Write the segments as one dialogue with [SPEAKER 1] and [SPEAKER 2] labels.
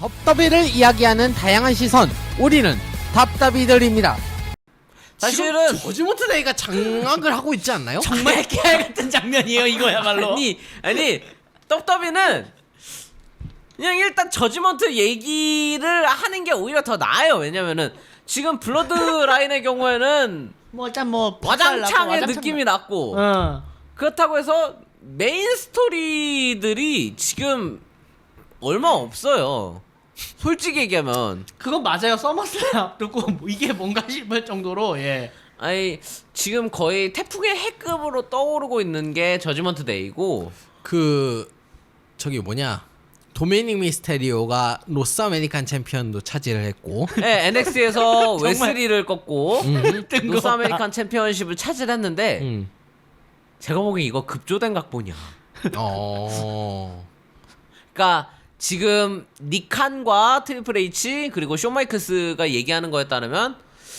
[SPEAKER 1] 덥더비를 이야기하는 다양한 시선, 우리는 답답이들입니다.
[SPEAKER 2] 사실은
[SPEAKER 1] 저지모트 데이가 장악을 하고 있지 않나요?
[SPEAKER 2] 정말 깨알 같은 장면이에요 이거야말로. 아니 떡더비는 그냥 일단 저지먼트 얘기를 하는 게 오히려 더 나아요. 왜냐면은 지금 블러드 라인의 경우에는
[SPEAKER 3] 뭐 일단 뭐
[SPEAKER 2] 와장창의 느낌이 났고 그렇다고 해서 메인 스토리들이 지금 얼마 없어요. 솔직히 얘기하면
[SPEAKER 3] 그건 맞아요. 서머슬 앞두고 뭐 이게 뭔가 싶을 정도로
[SPEAKER 2] 아니 지금 거의 태풍의 해급으로 떠오르고 있는 게 저지먼트 데이고
[SPEAKER 1] 저기 뭐냐 도미닉 미스테리오가 로스 아메리칸 챔피언도 차지를 했고
[SPEAKER 2] 네, NXT에서 웨슬리를 꺾고
[SPEAKER 3] 뜬금없다.
[SPEAKER 2] 로스 아메리칸 챔피언십을 차지했는데 제가 보기엔 이거 급조된 각본이야. 그러니까 지금 니칸과 트리플 H 그리고 숀 마이클스가 얘기하는 거에 따르면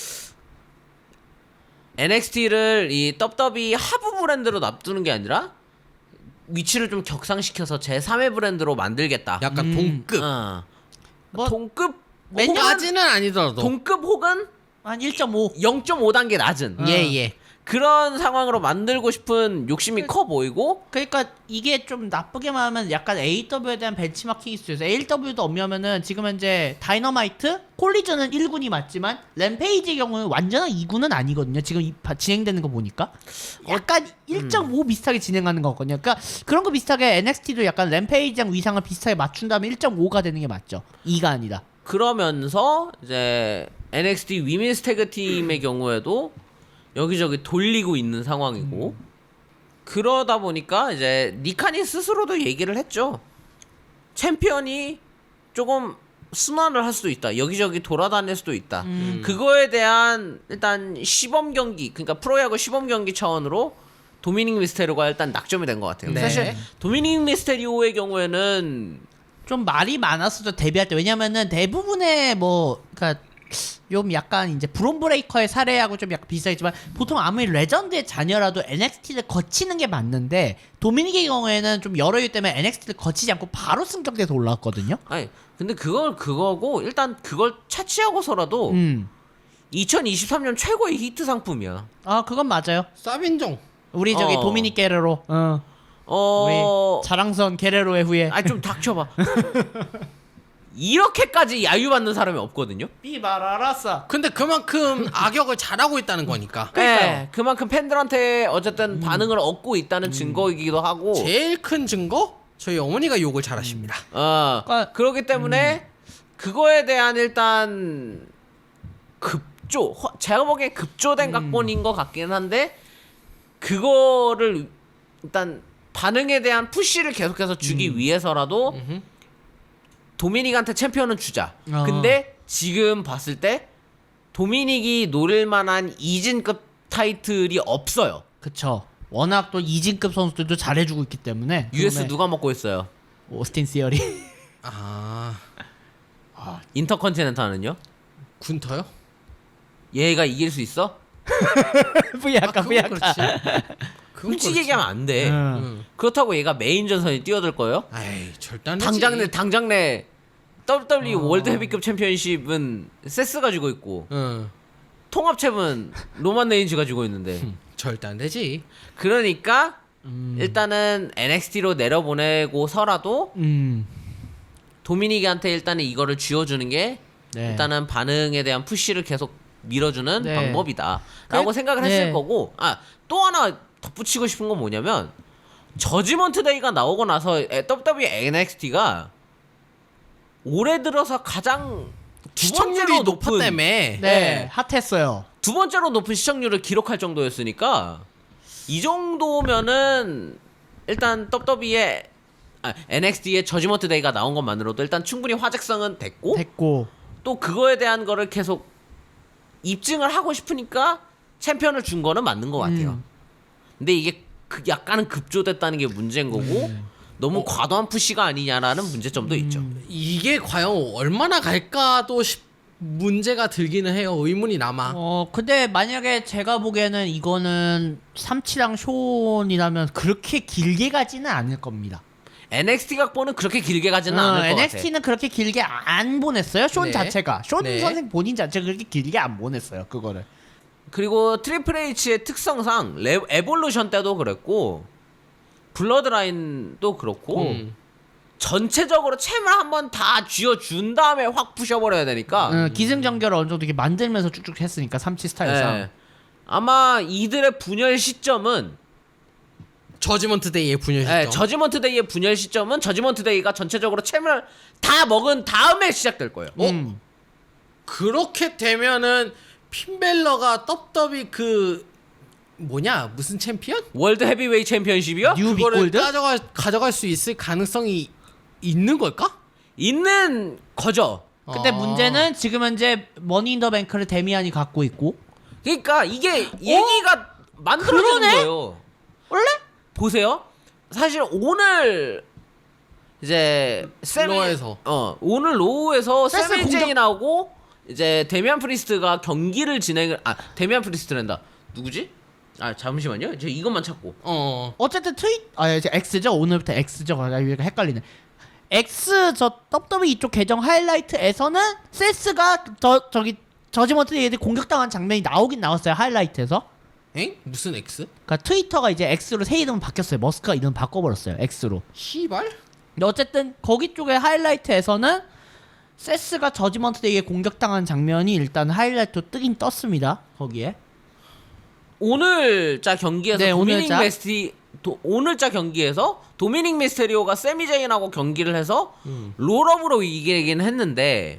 [SPEAKER 2] NXT를 이 떡더비 하부 브랜드로 놔두는 게 아니라 위치를 좀 격상시켜서 제3의 브랜드로 만들겠다.
[SPEAKER 1] 약간 동급
[SPEAKER 3] 뭐
[SPEAKER 2] 동급
[SPEAKER 1] 까지는 아니더라도
[SPEAKER 2] 동급 혹은
[SPEAKER 3] 한 1.5.
[SPEAKER 2] 0.5단계 낮은
[SPEAKER 1] 예.
[SPEAKER 2] 그런 상황으로 만들고 싶은 욕심이 커 보이고
[SPEAKER 3] 그러니까 이게 좀 나쁘게 말하면 약간 AW에 대한 벤치마킹이 있어요. AW도 엄냐면은 지금 현재 다이너마이트, 콜리전은 1군이 맞지만 램페이지의 경우는 완전한 2군은 아니거든요. 지금 진행되는 거 보니까 약간 1.5 비슷하게 진행하는 거거든요. 그러니까 그런 거 비슷하게 NXT도 약간 램페이지랑 위상을 비슷하게 맞춘 다음에 1.5가 되는 게 맞죠. 2가 아니라.
[SPEAKER 2] 그러면서 이제 NXT 위민스 태그 팀의 경우에도 여기저기 돌리고 있는 상황이고 그러다 보니까 이제 니칸이 스스로도 얘기를 했죠. 챔피언이 조금 순환을 할 수도 있다. 여기저기 돌아다닐 수도 있다. 그거에 대한 일단 시범 경기, 그러니까 프로야구 시범 경기 차원으로 도미닉 미스테리오가 일단 낙점이 된 것 같아요.
[SPEAKER 1] 네.
[SPEAKER 2] 사실 도미닉 미스테리오의 경우에는
[SPEAKER 3] 좀 말이 많았었죠. 데뷔할 때. 왜냐면은 대부분의 그러니까 좀 약간 이제 브론 브레이커의 사례하고 좀 약간 비슷하겠지만 보통 아무리 레전드의 자녀라도 NXT를 거치는 게 맞는데 도미닉의 경우에는 좀 여러 이유 때문에 NXT를 거치지 않고 바로 승격돼서 올라왔거든요.
[SPEAKER 2] 아니 근데 그거고 일단 그걸 차치하고서라도 2023년 최고의 히트 상품이야.
[SPEAKER 3] 아 그건 맞아요.
[SPEAKER 1] 쌉인종
[SPEAKER 3] 우리 저기 도미닉 게레로 우리 자랑선 게레로의 후예.
[SPEAKER 2] 아니 좀 닥쳐봐. 이렇게까지 야유받는 사람이 없거든요.
[SPEAKER 3] 삐바라라싸.
[SPEAKER 1] 근데 그만큼 악역을 잘하고 있다는 거니까
[SPEAKER 2] 네, 그만큼 팬들한테 어쨌든 반응을 얻고 있다는 증거이기도 하고.
[SPEAKER 1] 제일 큰 증거? 저희 어머니가 욕을 잘하십니다.
[SPEAKER 2] 그렇기 때문에 그거에 대한 일단 제가 보기엔 급조된 각본인 것 같긴 한데 그거를 일단 반응에 대한 푸시를 계속해서 주기 위해서라도 도미닉한테 챔피언은 주자. 근데 지금 봤을 때 도미닉이 노릴 만한 이진급 타이틀이 없어요.
[SPEAKER 3] 그쵸. 워낙 또 이진급 선수들도 잘해주고 있기 때문에.
[SPEAKER 2] US 누가 먹고 있어요?
[SPEAKER 3] 오스틴 시어리.
[SPEAKER 2] 인터컨티넨탈은요?
[SPEAKER 1] 군터요?
[SPEAKER 2] 얘가 이길 수 있어?
[SPEAKER 3] 뿌야까
[SPEAKER 1] 그건
[SPEAKER 3] 뿌야까.
[SPEAKER 1] 그렇지. 그건
[SPEAKER 2] 솔직히
[SPEAKER 1] 그렇지.
[SPEAKER 2] 얘기하면 안 돼. 그렇다고 얘가 메인 전선에 뛰어들 거예요?
[SPEAKER 1] 아이 절대 안 되지.
[SPEAKER 2] 당장 내 WWE 월드 헤비급 챔피언십은 세스 가지고 있고 통합챔은 로만 레인즈 가지고 있는데
[SPEAKER 1] 절대 안 되지.
[SPEAKER 2] 그러니까 일단은 NXT로 내려보내고서라도 도미닉한테 일단은 이거를 쥐어주는 게 일단은 반응에 대한 푸시를 계속 밀어주는 방법이다 라고 생각을 했을 거고 또 하나 덧붙이고 싶은 건 뭐냐면 저지먼트 데이가 나오고 나서 WWE NXT가 올해 들어서 가장
[SPEAKER 1] 시청률이 높았다며.
[SPEAKER 3] 핫했어요.
[SPEAKER 2] 두 번째로 높은 시청률을 기록할 정도였으니까 이 정도면은 일단 WWE의 NXT의 저지먼트 데이가 나온 것만으로도 일단 충분히 화제성은 됐고 또 그거에 대한 거를 계속 입증을 하고 싶으니까 챔피언을 준 거는 맞는 것 같아요. 근데 이게 약간은 급조됐다는 게 문제인 거고 너무 과도한 푸시가 아니냐라는 문제점도 있죠.
[SPEAKER 1] 이게 과연 얼마나 갈까도 문제가 들기는 해요. 의문이 남아.
[SPEAKER 3] 근데 만약에 제가 보기에는 이거는 삼치랑 쇼온이라면 그렇게 길게 가지는 않을 겁니다.
[SPEAKER 2] NXT 각본은 그렇게 길게 가지는 않을 것
[SPEAKER 3] NXT는 그렇게 길게 안 보냈어요. 쇼
[SPEAKER 1] 네.
[SPEAKER 3] 자체가 쇼
[SPEAKER 1] 네.
[SPEAKER 3] 선생 본인 자체가 그렇게 길게 안 보냈어요. 그거를.
[SPEAKER 2] 그리고 트리플 H의 특성상 에볼루션 때도 그랬고 블러드라인도 그렇고 전체적으로 챔을 한번 다 쥐어준 다음에 확 부셔버려야 되니까
[SPEAKER 3] 기승전결을 어느 정도 이렇게 만들면서 쭉쭉 했으니까 삼치 스타일상.
[SPEAKER 2] 예. 아마 이들의 분열 시점은
[SPEAKER 1] 저지먼트 데이의 분열 시점.
[SPEAKER 2] 예, 저지먼트 데이의 분열 시점은 저지먼트 데이가 전체적으로 챔을 다 먹은 다음에 시작될 거예요.
[SPEAKER 1] 그렇게 되면은 핀벨러가 떡더비 그 뭐냐 무슨 챔피언?
[SPEAKER 2] 월드 헤비웨이 챔피언십이요?
[SPEAKER 3] 뉴
[SPEAKER 1] 그거를
[SPEAKER 3] 빅골드?
[SPEAKER 1] 가져갈 수 있을 가능성이 있는 걸까?
[SPEAKER 2] 있는 거죠.
[SPEAKER 3] 근데 문제는 지금 현재 머니 인 더 뱅크를 데미안이 갖고 있고
[SPEAKER 2] 그러니까 이게 얘기가 만들어지는
[SPEAKER 3] 그러네?
[SPEAKER 2] 거예요.
[SPEAKER 3] 원래?
[SPEAKER 2] 보세요. 사실 오늘 이제
[SPEAKER 1] 로에서.
[SPEAKER 2] 오늘 로우에서
[SPEAKER 3] 세스
[SPEAKER 2] 세미
[SPEAKER 3] 공격-
[SPEAKER 2] 제인하고 이제 데미안 프리스트가 경기를 데미안 프리스트랜다. 누구지? 잠시만요. 저 이것만 찾고.
[SPEAKER 3] 어쨌든 이제 X죠. 오늘부터 X죠. 여기가 헷갈리네. X 저 WWE 이쪽 계정 하이라이트에서는 세스가 저기 저지먼트 얘들 공격당한 장면이 나오긴 나왔어요. 하이라이트에서.
[SPEAKER 1] 엥? 무슨 X?
[SPEAKER 3] 그러니까 트위터가 이제 X로 새 이름 바뀌었어요. 머스크가 이름 바꿔버렸어요. X로.
[SPEAKER 1] 씨발?
[SPEAKER 3] 근데 어쨌든 거기 쪽의 하이라이트에서는 세스가 저지먼트 데이에 공격당한 장면이 일단 하이라이트로 뜨긴 떴습니다. 거기에.
[SPEAKER 2] 오늘자 경기에서
[SPEAKER 3] 네,
[SPEAKER 2] 오늘자 경기에서 도미닉 미스테리오가 세미 제인하고 경기를 해서 롤업으로 이기긴 했는데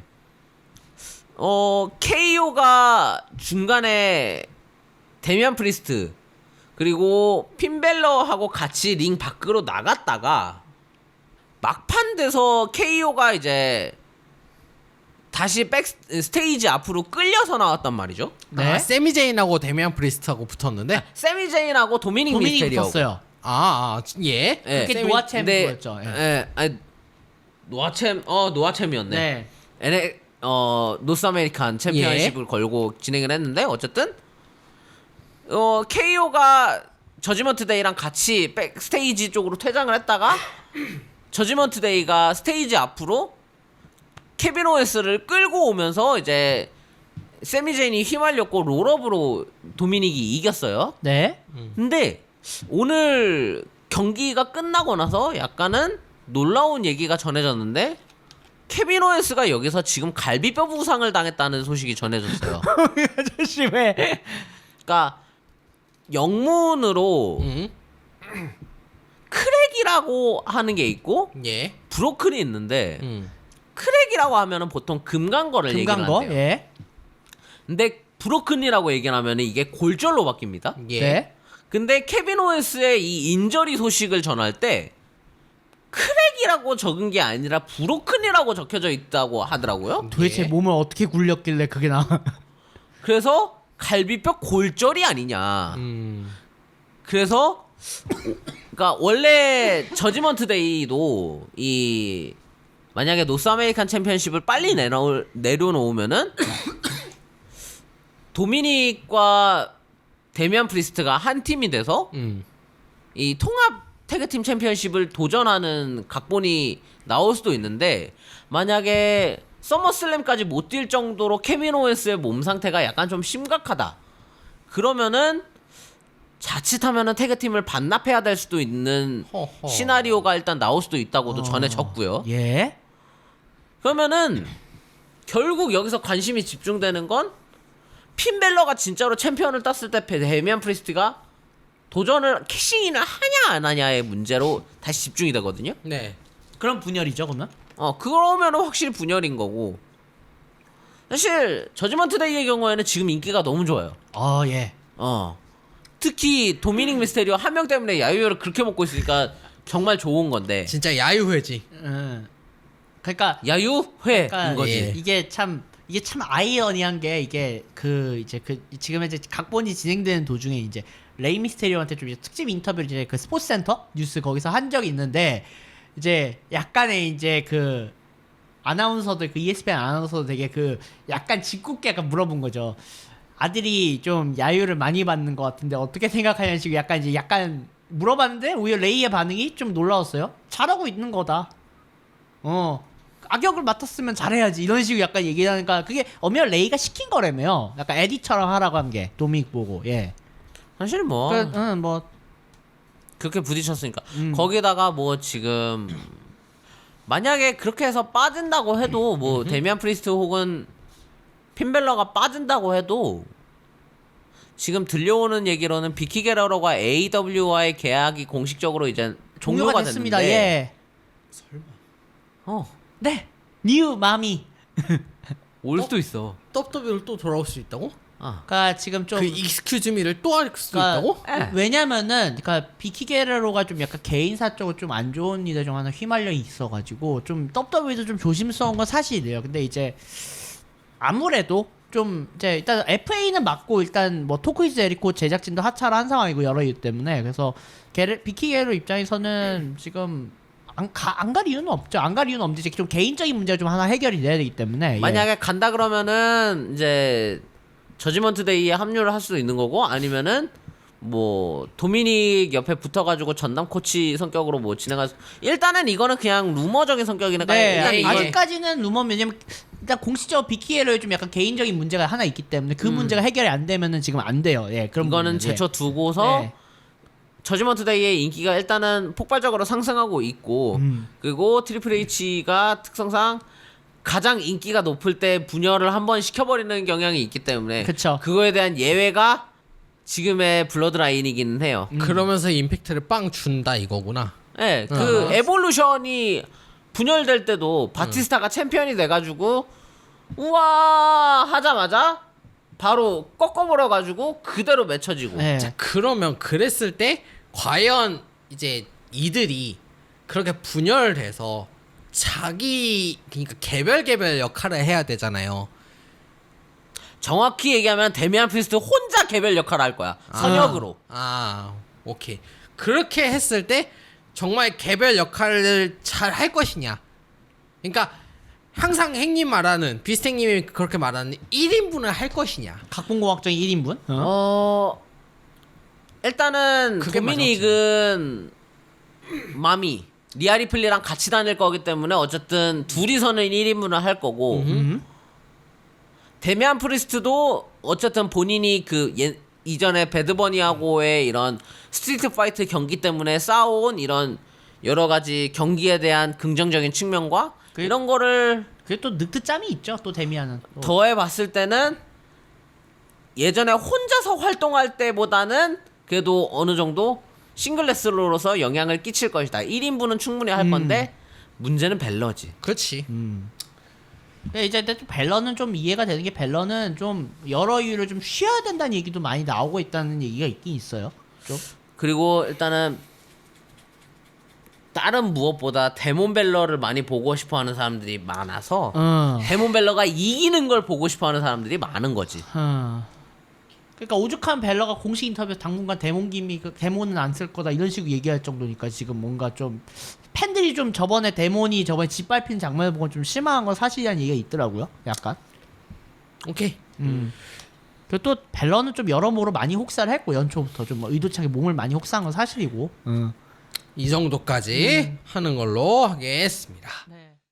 [SPEAKER 2] KO가 중간에 데미안 프리스트 그리고 핀벨러하고 같이 링 밖으로 나갔다가 막판 돼서 KO가 이제 다시 백 스테이지 앞으로 끌려서 나왔단 말이죠.
[SPEAKER 3] 네.
[SPEAKER 1] 세미 제인하고 데미안 프리스트하고 붙었는데
[SPEAKER 2] 세미 제인하고 도미닉 미스테리오.
[SPEAKER 3] 붙었어요.
[SPEAKER 1] 예.
[SPEAKER 2] 예.
[SPEAKER 3] 그게 노아챔
[SPEAKER 2] 근데,
[SPEAKER 3] 그거였죠. 예.
[SPEAKER 2] 예. 아니, 노아챔이었네.
[SPEAKER 3] 네.
[SPEAKER 2] 노스 아메리칸 챔피언십을 걸고 진행을 했는데 어쨌든 KO가 저지먼트 데이랑 같이 백 스테이지 쪽으로 퇴장을 했다가 저지먼트 데이가 스테이지 앞으로 케빈 오웨스를 끌고 오면서 이제 세미 제인이 휘말렸고 롤업으로 도미닉이 이겼어요.
[SPEAKER 3] 네.
[SPEAKER 2] 근데 오늘 경기가 끝나고 나서 약간은 놀라운 얘기가 전해졌는데 케빈 오웨스가 여기서 지금 갈비뼈 부상을 당했다는 소식이 전해졌어요.
[SPEAKER 3] 아저씨 왜?
[SPEAKER 2] 그러니까 영문으로 크랙이라고 하는 게 있고
[SPEAKER 1] 예.
[SPEAKER 2] 브로큰이 있는데 크랙이라고 하면은 보통 금간거를 얘기를
[SPEAKER 3] 금강거?
[SPEAKER 2] 한대요.
[SPEAKER 3] 예.
[SPEAKER 2] 근데 브로큰이라고 얘기를 하면은 이게 골절로 바뀝니다.
[SPEAKER 1] 예.
[SPEAKER 3] 네.
[SPEAKER 2] 근데 케빈 오웬스의 이 인저리 소식을 전할 때 크랙이라고 적은 게 아니라 브로큰이라고 적혀져 있다고 하더라고요.
[SPEAKER 3] 도대체
[SPEAKER 1] 예.
[SPEAKER 3] 몸을 어떻게 굴렸길래 그게 나와?
[SPEAKER 2] 그래서 갈비뼈 골절이 아니냐. 그래서 그러니까 원래 저지먼트 데이도 이 만약에 노스 아메리칸 챔피언십을 빨리 내려놓으면은 도미닉과 데미안 프리스트가 한 팀이 돼서 이 통합 태그팀 챔피언십을 도전하는 각본이 나올 수도 있는데 만약에 서머슬램까지 못 뛸 정도로 케빈 오웬스의 몸 상태가 약간 좀 심각하다. 그러면은 자칫하면은 태그팀을 반납해야 될 수도 있는
[SPEAKER 1] 허허.
[SPEAKER 2] 시나리오가 일단 나올 수도 있다고도 전해졌고요.
[SPEAKER 3] 예.
[SPEAKER 2] 그러면은 결국 여기서 관심이 집중되는 건 핀벨러가 진짜로 챔피언을 땄을 때 데미안 프리스트가 도전을 캐싱인을 하냐 안 하냐의 문제로 다시 집중이 되거든요.
[SPEAKER 1] 네.
[SPEAKER 3] 그럼 분열이죠, 그러면?
[SPEAKER 2] 그러면은 확실히 분열인 거고. 사실 저지먼트 데이의 경우에는 지금 인기가 너무 좋아요.
[SPEAKER 3] 예.
[SPEAKER 2] 특히 도미닉 미스테리오 한 명 때문에 야유를 그렇게 먹고 있으니까 정말 좋은 건데.
[SPEAKER 1] 진짜 야유회지.
[SPEAKER 3] 그러니까
[SPEAKER 2] 야유회인 거지.
[SPEAKER 1] 예.
[SPEAKER 3] 이게 참 아이러니한 게 이게 지금 이제 각본이 진행되는 도중에 이제 레이 미스테리오한테 좀 이제 특집 인터뷰를 이제 그 스포츠 센터 뉴스 거기서 한 적이 있는데 이제 약간의 이제 그 아나운서들 그 ESPN 아나운서도 되게 그 약간 짓궂게 약간 물어본 거죠. 아들이 좀 야유를 많이 받는 것 같은데 어떻게 생각하냐는 식으로 약간 물어봤는데 오히려 레이의 반응이 좀 놀라웠어요. 잘하고 있는 거다. 악역을 맡았으면 잘해야지 이런 식으로 약간 얘기하니까 그게 엄연히 레이가 시킨 거라며요. 약간 에디처럼 하라고 한 게 도미닉 보고. 예.
[SPEAKER 2] 사실 뭐
[SPEAKER 3] 뭐
[SPEAKER 2] 그렇게 부딪혔으니까 거기다가 뭐 지금 만약에 그렇게 해서 빠진다고 해도 뭐 데미안 프리스트 혹은 핀벨러가 빠진다고 해도 지금 들려오는 얘기로는 비키 게러러가 AEW와의 계약이 공식적으로 이제 종료가
[SPEAKER 3] 됐습니다.
[SPEAKER 2] 됐는데
[SPEAKER 3] 예.
[SPEAKER 2] 어,
[SPEAKER 3] 네. 뉴 마미.
[SPEAKER 2] 올 수도 있어.
[SPEAKER 1] WWE로 또 돌아올 수 있다고?
[SPEAKER 3] 그러니까 지금 좀
[SPEAKER 1] 그 익스큐즈 미를 또 할 수도
[SPEAKER 3] 그러니까
[SPEAKER 1] 있다고?
[SPEAKER 2] 예.
[SPEAKER 3] 왜냐면은 그러니까 비키 게레로가 좀 약간 개인사적으로 좀 안 좋은 일에 좀 하나 휘말려 있어가지고 좀 WWE도 좀 조심스러운 건 사실이에요. 근데 이제 아무래도 좀 이제 일단 FA는 맞고 일단 뭐 토크이즈 에리코 제작진도 하차를 한 상황이고 여러 이유 때문에 그래서 비키 게레로 입장에서는 지금 안 갈 이유는 없죠. 안 갈 이유는 없는데 이제 좀 개인적인 문제가 좀 하나 해결이 돼야 되기 때문에
[SPEAKER 2] 만약에 간다 그러면은 이제 저지먼트 데이에 합류를 할 수도 있는 거고 아니면은 뭐 도미닉 옆에 붙어가지고 전담 코치 성격으로 뭐 진행할 수... 일단은 이거는 그냥 루머적인 성격이니까
[SPEAKER 3] 네,
[SPEAKER 2] 일단 이게
[SPEAKER 3] 아직까지는 루머 왜냐면 일단 공식적으로 비키에로에 좀 약간 개인적인 문제가 하나 있기 때문에 그 문제가 해결이 안 되면은 지금 안 돼요. 예, 그런
[SPEAKER 2] 이거는
[SPEAKER 3] 부분은, 예.
[SPEAKER 2] 제쳐두고서
[SPEAKER 3] 네.
[SPEAKER 2] 저지먼트 데이의 인기가 일단은 폭발적으로 상승하고 있고 그리고 트리플 H가 특성상 가장 인기가 높을 때 분열을 한번 시켜버리는 경향이 있기 때문에
[SPEAKER 3] 그쵸.
[SPEAKER 2] 그거에 대한 예외가 지금의 블러드라인이기는 해요.
[SPEAKER 1] 그러면서 임팩트를 빵 준다 이거구나.
[SPEAKER 2] 네, 그 에볼루션이 분열될 때도 바티스타가 챔피언이 돼가지고 우와 하자마자 바로 꺾어버려가지고 그대로 맺혀지고
[SPEAKER 3] 네.
[SPEAKER 1] 자, 그러면 그랬을 때 과연 이제 이들이 그렇게 분열돼서 자기 그러니까 개별 역할을 해야 되잖아요.
[SPEAKER 2] 정확히 얘기하면 데미안 프리스트 혼자 개별 역할을 할 거야. 선역으로.
[SPEAKER 1] 오케이. 그렇게 했을 때 정말 개별 역할을 잘 할 것이냐. 그러니까 항상 행님 말하는 비스탱님이 그렇게 말하는 1인분을 할 것이냐.
[SPEAKER 3] 각본공학적인 1인분?
[SPEAKER 2] 일단은
[SPEAKER 1] 그게
[SPEAKER 2] 도미닉은 마미 리아리플리랑 같이 다닐 거기 때문에 어쨌든 둘이서는 1인분을 할 거고 데미안 프리스트도 어쨌든 본인이 그 이전에 배드버니하고의 이런 스트리트 파이트 경기 때문에 쌓아온 이런 여러 가지 경기에 대한 긍정적인 측면과 이런 거를
[SPEAKER 3] 그게 또 늑드짬이 있죠. 또 데미안은. 또.
[SPEAKER 2] 더해 봤을 때는 예전에 혼자서 활동할 때보다는 그래도 어느 정도 싱글 레슬러로서 영향을 끼칠 것이다. 1인분은 충분히 할 건데 문제는 벨러지.
[SPEAKER 1] 그렇지.
[SPEAKER 3] 근데 이제 또 벨러는 좀 이해가 되는 게 벨러는 좀 여러 이유로 좀 쉬어야 된다는 얘기도 많이 나오고 있다는 얘기가 있긴 있어요. 좀.
[SPEAKER 2] 그리고 일단은 다른 무엇보다 데몬 벨러를 많이 보고 싶어하는 사람들이 많아서 데몬 벨러가 이기는 걸 보고 싶어하는 사람들이 많은 거지.
[SPEAKER 3] 그러니까 오죽한 벨러가 공식 인터뷰에서 당분간 데몬 데몬은 안 쓸 거다 이런 식으로 얘기할 정도니까 지금 뭔가 좀 팬들이 좀 저번에 짓밟힌 장면을 보고 좀 실망한 건 사실이라는 얘기가 있더라고요. 약간.
[SPEAKER 1] 오케이.
[SPEAKER 3] 그리고 또 벨러는 좀 여러모로 많이 혹사를 했고 연초부터 좀 의도치 않게 몸을 많이 혹사한 건 사실이고.
[SPEAKER 1] 이 정도까지 하는 걸로 하겠습니다.
[SPEAKER 3] 네.